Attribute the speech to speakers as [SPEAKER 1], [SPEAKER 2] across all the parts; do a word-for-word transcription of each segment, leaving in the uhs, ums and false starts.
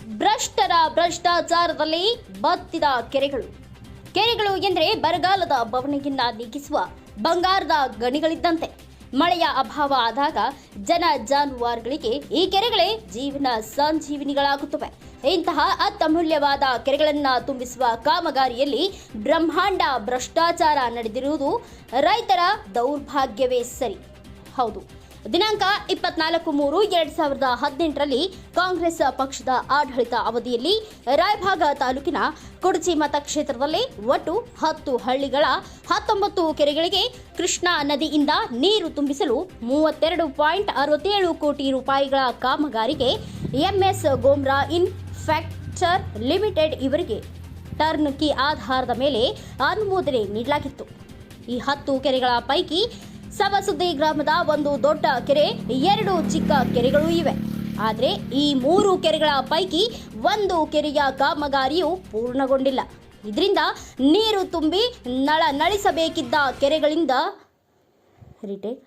[SPEAKER 1] ಭ್ರಷ್ಟರ ಭ್ರಷ್ಟಾಚಾರದಲ್ಲಿ ಬತ್ತಿದ ಕೆರೆಗಳು ಕೆರೆಗಳು ಎಂದರೆ ಬರಗಾಲದ ಬವಣೆಯನ್ನ ನೀಗಿಸುವ ಬಂಗಾರದ ಗಣಿಗಳಿದ್ದಂತೆ. ಮಳೆಯ ಅಭಾವ ಆದಾಗ ಜನ ಜಾನುವಾರುಗಳಿಗೆ ಈ ಕೆರೆಗಳೇ ಜೀವನ ಸಂಜೀವಿನಿಗಳಾಗುತ್ತವೆ. ಇಂತಹ ಅತ್ಯಮೂಲ್ಯವಾದ ಕೆರೆಗಳನ್ನು ತುಂಬಿಸುವ ಕಾಮಗಾರಿಯಲ್ಲಿ ಬ್ರಹ್ಮಾಂಡ ಭ್ರಷ್ಟಾಚಾರ ನಡೆದಿರುವುದು ರೈತರ ದೌರ್ಭಾಗ್ಯವೇ ಸರಿ. ಹೌದು, ದಿನಾಂಕ ಇಪ್ಪತ್ನಾಲ್ಕು ಮೂರು ಎರಡ್ ಸಾವಿರದ ಹದಿನೆಂಟರಲ್ಲಿ ಕಾಂಗ್ರೆಸ್ ಪಕ್ಷದ ಆಡಳಿತ ಅವಧಿಯಲ್ಲಿ ರಾಯಭಾಗ ತಾಲೂಕಿನ ಕುಡಚಿ ಮತಕ್ಷೇತ್ರದಲ್ಲಿ ಒಟ್ಟು ಹತ್ತು ಹಳ್ಳಿಗಳ ಹತ್ತೊಂಬತ್ತು ಕೆರೆಗಳಿಗೆ ಕೃಷ್ಣಾ ನದಿಯಿಂದ ನೀರು ತುಂಬಿಸಲು ಮೂವತ್ತೆರಡು ಪಾಯಿಂಟ್ ಅರವತ್ತೇಳು ಕೋಟಿ ರೂಪಾಯಿಗಳ ಕಾಮಗಾರಿಗೆ ಎಂಎಸ್ ಗೋಮ್ರಾ ಇನ್ ಫ್ಯಾಕ್ಚರ್ ಲಿಮಿಟೆಡ್ ಇವರಿಗೆ ಟರ್ನ್ ಕಿ ಆಧಾರದ ಮೇಲೆ ಅನುಮೋದನೆ ನೀಡಲಾಗಿತ್ತು. ಈ ಹತ್ತು ಕೆರೆಗಳ ಪೈಕಿ ಸವಸುದ್ದಿ ಗ್ರಾಮದ ಒಂದು ದೊಡ್ಡ ಕೆರೆ, ಎರಡು ಚಿಕ್ಕ ಕೆರೆಗಳು ಇವೆ. ಆದರೆ ಈ ಮೂರು ಕೆರೆಗಳ ಪೈಕಿ ಒಂದು ಕೆರೆಯ ಕಾಮಗಾರಿಯು ಪೂರ್ಣಗೊಂಡಿಲ್ಲ. ಇದರಿಂದ ನೀರು ತುಂಬಿ ನಳ ನಳಿಸಬೇಕಿದ್ದ ಕೆರೆಗಳಿಂದ ರಿಟೇಕ್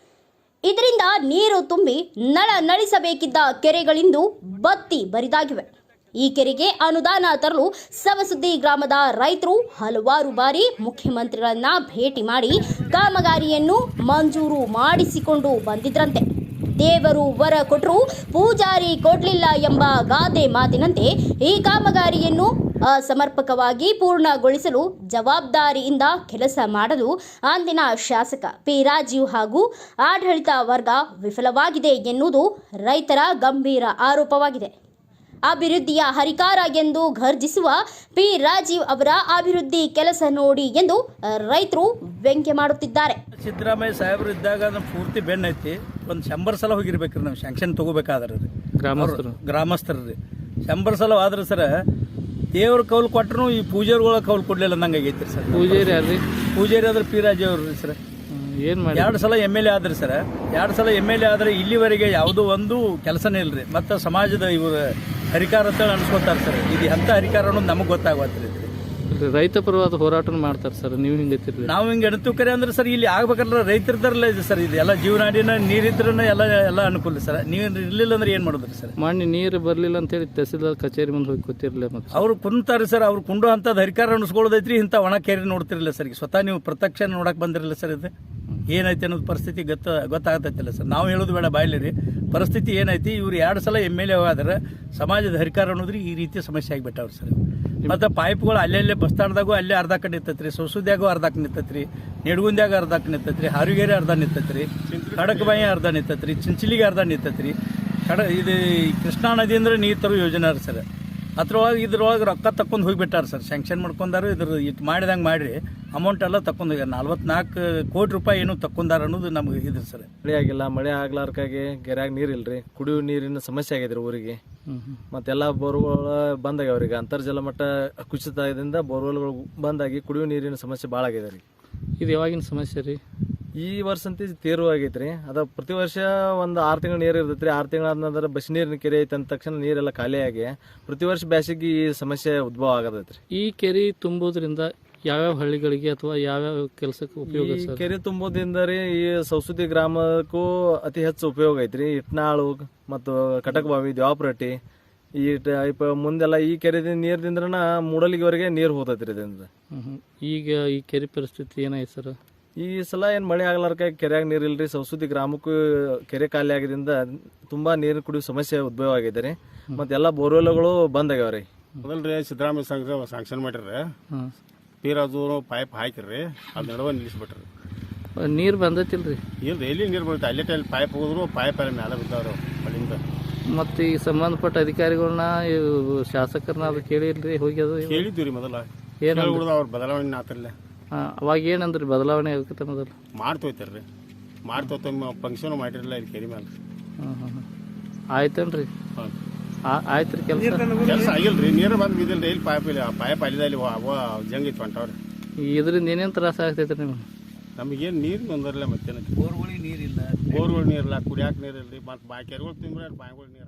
[SPEAKER 1] ಇದರಿಂದ ನೀರು ತುಂಬಿ ನಳ ನಳಿಸಬೇಕಿದ್ದ ಕೆರೆಗಳಿಂದು ಬತ್ತಿ ಬರಿದಾಗಿವೆ. ಈ ಕೆರೆಗೆ ಅನುದಾನ ತರಲು ಸವಸುದ್ದಿ ಗ್ರಾಮದ ರೈತರು ಹಲವಾರು ಬಾರಿ ಮುಖ್ಯಮಂತ್ರಿಗಳನ್ನ ಭೇಟಿ ಮಾಡಿ ಕಾಮಗಾರಿಯನ್ನು ಮಂಜೂರು ಮಾಡಿಸಿಕೊಂಡು ಬಂದಿದ್ರಂತೆ. ದೇವರು ವರ ಕೊಟ್ಟರು ಪೂಜಾರಿ ಕೊಡಲಿಲ್ಲ ಎಂಬ ಗಾದೆ ಮಾತಿನಂತೆ ಈ ಕಾಮಗಾರಿಯನ್ನು ಅಸಮರ್ಪಕವಾಗಿ ಪೂರ್ಣಗೊಳಿಸಲು ಜವಾಬ್ದಾರಿಯಿಂದ ಕೆಲಸ ಮಾಡಲು ಅಂದಿನ ಶಾಸಕ ಪಿ ರಾಜೀವ್ ಹಾಗೂ ಆಡಳಿತ ವರ್ಗ ವಿಫಲವಾಗಿದೆ ಎನ್ನುವುದು ರೈತರ ಗಂಭೀರ ಆರೋಪವಾಗಿದೆ. ಅಭಿವೃದ್ಧಿಯ ಹರಿಕಾರ ಎಂದು ಘರ್ಜಿಸುವ ಪಿ ರಾಜೀವ್ ಅವರ ಅಭಿವೃದ್ಧಿ ಕೆಲಸ ನೋಡಿ ಎಂದು ರೈತರು ವ್ಯಂಗ್ಯ ಮಾಡುತ್ತಿದ್ದಾರೆ.
[SPEAKER 2] ಸಿದ್ದರಾಮಯ್ಯ ಸಾಹೇಬರು ಇದ್ದಾಗ ನಮ್ಮ ಪೂರ್ತಿ ಬೆನ್ನ ಐತಿ. ಒಂದು ಶಂಬರ್ ಸಲ ಹೋಗಿರ್ಬೇಕ್ರಿ ನಾವು ಶಾಂಕ್ಷನ್ ತಗೋಬೇಕಾದ್ರೆ ರೀ ಗ್ರಾಮಸ್ಥರು ಗ್ರಾಮಸ್ಥರು ರೀ ಶಂಬರ್ ಸಲ ಆದ್ರೆ ಸರ ದೇವ್ರ ಕೌಲು ಕೊಟ್ಟರು ಈ ಪೂಜಾರಿಗಳ ಕೌಲು ಕೊಡ್ಲಿಲ್ಲ ನಂಗೆ ಆಗೈತಿ ಸರ್.
[SPEAKER 3] ಪೂಜಾರಿ ಅಲ್ರಿ
[SPEAKER 2] ಪೂಜಾರಿ ಆದ್ರೆ ಪಿ ರಾಜೀವ್ ಅವ್ರು ರೀ ಸರ್.
[SPEAKER 3] ಏನ್ ಮಾಡಿ
[SPEAKER 2] ಎರಡು ಸಲ ಎಮ್ ಎಲ್ ಎ ಆದ್ರಿ ಸರ್. ಎರಡು ಸಲ ಎಮ್ ಎಲ್ ಎ ಆದ್ರೆ ಇಲ್ಲಿವರೆಗೆ ಯಾವುದೋ ಒಂದು ಕೆಲಸನೇ ಇಲ್ರಿ. ಮತ್ತು ಸಮಾಜದ ಇವರು ಹರಿಕಾರ ಅಂತ ಅನ್ಸ್ಕೊತಾರೆ ಸರ್. ಇದು ಎಂಥ ಹರಿಕಾರ ಅನ್ನೋದು ನಮಗೆ ಗೊತ್ತಾಗತ್ರಿ.
[SPEAKER 3] ರೈತ ಪರವಾದ ಹೋರಾಟ ಮಾಡ್ತಾರೆ ಸರ್. ನೀವು ಹಿಂಗೆ
[SPEAKER 2] ನಾವು ಹಿಂಗೆ ಎಣತು ಕರೆ ಅಂದ್ರೆ ಸರ್ ಇಲ್ಲಿ ಆಗ್ಬೇಕಂದ್ರೆ ರೈತರದಲ್ಲ ಇದೆ ಸರ್. ಇದು ಎಲ್ಲ ಜೀವನಾಡಿನ ನೀರಿದ್ರೂ ಎಲ್ಲ ಎಲ್ಲ ಅನುಕೂಲ ಸರ್. ನೀರು ಇರ್ಲಿಲ್ಲ ಅಂದ್ರೆ ಏನು ಮಾಡೋದ್ರಿ ಸರ್?
[SPEAKER 3] ಮಾಡಿ ನೀರು ಬರಲಿಲ್ಲ ಅಂತೇಳಿ ತಹಸೀಲ್ದಾರ್ ಕಚೇರಿ ಮುಂದೆ ಹೋಗಿ ಕೂತಿರ್ಲಿಲ್ಲ. ಮತ್ತೆ
[SPEAKER 2] ಅವ್ರು ಕುಂತಾರೆ ಸರ್. ಅವ್ರು ಕುಂಡು ಅಂಥದ್ದು ಹರಿಕಾರ ಅನ್ಸ್ಕೊಳ್ಳೋದೈತ್ರಿ. ಇಂಥ ಒಣ ಕೇರಿ ನೋಡ್ತಿರಲಿಲ್ಲ ಸರ್. ಸ್ವತಃ ನೀವು ಪ್ರತ್ಯಕ್ಷ ನೋಡಕ್ ಬಂದಿರಲಿಲ್ಲ ಸರ್. ಇದು ಏನೈತಿ ಅನ್ನೋದು ಪರಿಸ್ಥಿತಿ ಗೊತ್ತ ಗೊತ್ತಾಗತ್ತೈತಿಲ್ಲ ಸರ್. ನಾವು ಹೇಳೋದು ಬೇಡ ಬಾಯ್ಲಿ ರೀ. ಪರಿಸ್ಥಿತಿ ಏನೈತಿ, ಇವ್ರು ಎರಡು ಸಲ ಎಮ್ ಎಲ್ ಎ ಆದ್ರೆ ಸಮಾಜದ ಹರಿಕಾರ ಅನ್ನೋದ್ರಿ ಈ ರೀತಿ ಸಮಸ್ಯೆ ಆಗಿಬಿಟ್ಟವ್ರು ಸರ್. ಮತ್ತು ಪೈಪ್ಗಳು ಅಲ್ಲೆಲ್ಲೇ ಬಸ್ ಸ್ಟ್ಯಾಂಡ್ದಾಗೂ ಅಲ್ಲೇ ಅರ್ಧಕ್ಕೆ ನಿಂತೈತ್ರಿ, ಸೊಸುದ್ಯಾಗೂ ಅರ್ಧಕ್ಕೆ ನಿಂತೈತ್ರಿ, ನಿಡಗುಂದ್ಯಾಗ ಅರ್ಧಕ್ಕೆ ನಿಂತೈತ್ರಿ, ಹಾರುಗೇರಿ ಅರ್ಧ ನಿಂತೈತ್ರಿ, ಖಡಕಬಾಯಿ ಅರ್ಧ ನಿಂತೈತ್ರಿ, ಚಿಂಚಲಿಗೆ ಅರ್ಧ ನಿಂತೈತ್ರಿ. ಕಡ ಇದು ಕೃಷ್ಣಾ ನದಿ ಅಂದ್ರೆ ನೀರು ತರೋ ಯೋಜನೆ ರೀ ಸರ್. ಅದ್ರೊಳಗೆ ಇದ್ರೊಳಗೆ ರೊಕ್ಕ ತಕ್ಕೊಂಡು ಹೋಗಿಬಿಟ್ಟಾರ ಸರ್. ಸ್ಯಾಂಕ್ಷನ್ ಮಾಡ್ಕೊಂಡಾರು. ಇದ್ರ ಇಟ್ಟು ಮಾಡಿದಂಗೆ ಮಾಡಿರಿ ಅಮೌಂಟ್ ಎಲ್ಲ ತಕ್ಕೊಂಡು ಹೋಗ್ಯಾರ. ನಲ್ವತ್ನಾಲ್ಕು ಕೋಟಿ ರೂಪಾಯಿ ಏನು ತಕ್ಕೊಂಡಾರ ಅನ್ನೋದು ನಮ್ಗೆ ಇದ್ರಿ ಸರ್.
[SPEAKER 4] ಮಳೆ ಆಗಿಲ್ಲ. ಮಳೆ ಆಗ್ಲಾರ್ಕಾಗಿ ಕೆರೆಯಾಗ ನೀರಿಲ್ರಿ. ಕುಡಿಯುವ ನೀರಿನ ಸಮಸ್ಯೆ ಆಗಿದ್ರಿ ಊರಿಗೆ. ಮತ್ತೆಲ್ಲ ಬೋರ್ಗಳು ಬಂದಾಗ್ಯಾವ ಅವ್ರಿಗೆ. ಅಂತರ್ಜಲ ಮಟ್ಟ ಕುಸಿತದಿಂದ ಬೋರ್ವೆಲ್ಗಳು ಬಂದಾಗಿ ಕುಡಿಯುವ ನೀರಿನ ಸಮಸ್ಯೆ ಭಾಳ ಆಗಿದೆ ರೀ.
[SPEAKER 3] ಇದು ಯಾವಾಗಿನ ಸಮಸ್ಯೆ ರೀ?
[SPEAKER 4] ಈ ವರ್ಷ ಅಂತ ತೀವ್ರ ಆಗೈತ್ರಿ. ಅದ ಪ್ರತಿ ವರ್ಷ ಒಂದು ಆರು ತಿಂಗಳು ನೀರು ಇರ್ತೈತ್ರಿ. ಆರು ತಿಂಗಳಾದ ನಂತರ ಬಸ್ ನೀರಿನ ಕೆರೆ ಐತೆ ಅಂದ ತಕ್ಷಣ ನೀರೆಲ್ಲ ಖಾಲಿಯಾಗಿ ಪ್ರತಿ ವರ್ಷ ಬ್ಯಾಸಿಗೆ ಈ ಸಮಸ್ಯೆ ಉದ್ಭವ ಆಗತೈತ್ರಿ.
[SPEAKER 3] ಈ ಕೆರೆ ತುಂಬೋದ್ರಿಂದ ಯಾವ್ಯಾವ ಹಳ್ಳಿಗಳಿಗೆ ಅಥವಾ ಯಾವ್ಯಾವ ಕೆಲಸಕ್ಕೆ ಉಪಯೋಗ?
[SPEAKER 4] ಈ ಕೆರೆ ತುಂಬೋದ್ರಿಂದ ರೀ ಈ ಸೌಸುದ್ದಿ ಗ್ರಾಮಕ್ಕೂ ಅತಿ ಹೆಚ್ಚು ಉಪಯೋಗ ಐತ್ರಿ. ಇಟ್ನಾಳು ಮತ್ತು ಕಟಕಬಾವಿ, ದ್ವಾಪರಟ್ಟಿ ಈ ಮುಂದೆಲ್ಲ ಈ ಕೆರೆ ನೀರ್ದಿಂದ್ರನ ಮೂಡಲಿಗೆವರೆಗೆ ನೀರು ಹೋತೈತ್ರಿ ಇದರಿಂದ.
[SPEAKER 3] ಈಗ ಈ ಕೆರೆ ಪರಿಸ್ಥಿತಿ ಏನಾಯ್ತು ಸರ್?
[SPEAKER 4] ಈ ಸಲ ಏನು ಮಳೆ ಆಗ್ಲಾರ್ಕ ಕೆರೆಯಾಗ ನೀರು ಇಲ್ರಿ. ಸೌಸುದ್ದಿ ಗ್ರಾಮಕ್ಕೂ ಕೆರೆ ಖಾಲಿ ಆಗಿದ್ದರಿಂದ ತುಂಬಾ ನೀರು ಕುಡಿಯೋ ಸಮಸ್ಯೆ ಉದ್ಭವ ಆಗಿದೆ ರೀ. ಮತ್ತೆಲ್ಲ ಬೋರ್ವೆಲ್ಗಳು ಬಂದ್ ಆಗ್ಯಾವ ರೀ.
[SPEAKER 5] ಮೊದಲ್ರಿ ಸಿದ್ದರಾಮಯ್ಯ ಸಂಘ ಸ್ಯಾಂಕ್ಷನ್ ಮಾಡಿರಿ. ಪೀರಾಜು ಪೈಪ್ ಹಾಕಿರಿ, ಅದು ನಡುವೆ ನಿಲ್ಲಿಸ್ಬಿಟ್ರಿ.
[SPEAKER 3] ನೀರು ಬಂದೈತಿಲ್ರಿ?
[SPEAKER 5] ಇಲ್ರಿ, ಎಲ್ಲಿ ನೀರು ಬರುತ್ತೆ ಅಲ್ಲೇ ಟೈಲ್ ಪೈಪ್ ಹೋದ್ರು ಪೈಪ್ ಎಲ್ಲ ಮೇಲೆ ಬಿದ್ದಾವ್ರು ಅಲ್ಲಿಂದ.
[SPEAKER 3] ಮತ್ತು ಈ ಸಂಬಂಧಪಟ್ಟ ಅಧಿಕಾರಿಗಳನ್ನ ಶಾಸಕರನ್ನ ಅದು ಕೇಳಿಲ್ರಿ? ಹೋಗಿ ಅದು
[SPEAKER 5] ಕೇಳಿದ್ವಿ ರೀ ಮೊದಲ. ಏನು ಅವ್ರ ಬದಲಾವಣೆ ಆತಿರ್ಲ.
[SPEAKER 3] ಅವಾಗ ಏನಂದ್ರಿ ಬದಲಾವಣೆ ಆಗತ್ತೆ? ಮೊದಲು
[SPEAKER 5] ಮಾಡ್ತೋಯ್ತಾರ್ರಿ. ಮಾಡ್ತೋತ ಫಂಕ್ಷನ್ ಮಾಡಿರಲಿಲ್ಲ ಇಲ್ಲಿ ಕೆರೆ ಮೇಲೆ.
[SPEAKER 3] ಹಾಂ ಹಾಂ ಆಯ್ತೇನ್ರಿ? ಆಯ್ತು ರೀ. ಕೆಲಸ
[SPEAKER 5] ಕೆಲಸ ಆಗಿಲ್ರಿ. ನೀರು ಬಂದು ಬಿದ್ದಿಲ್ರಿ. ಇಲ್ಲಿ ಪೈಪ್ ಇಲ್ಲ. ಪೈಪ್ ಅಲ್ಲಿದ ಇಲ್ಲಿ ಜಂಗ್ ಇತ್ತು ಹೊಂಟವ್ರಿ.
[SPEAKER 3] ಇದರಿಂದ ಏನೇನು ತ್ರಾಸ ಆಗ್ತೈತ್ರಿ ನಿಮ್ಗೆ?
[SPEAKER 5] ನಮಗೇನು ನೀರು ತೊಂದರಲ್ಲ. ಮತ್ತೇನ
[SPEAKER 2] ಬೋರ್ಗಳಿಗೆ ನೀರಿಲ್ಲ,
[SPEAKER 5] ಬೋರ್ಗಳು ನೀರಿಲ್ಲ, ಕುಡಿಯಾಕ ನೀರಿಲ್ಲ ರೀ. ಮತ್ತು ಬಾ ಕೆರೆಗಳು ತುಂಬ್ರೆ ಬಾಯಿಗಳು ನೀರು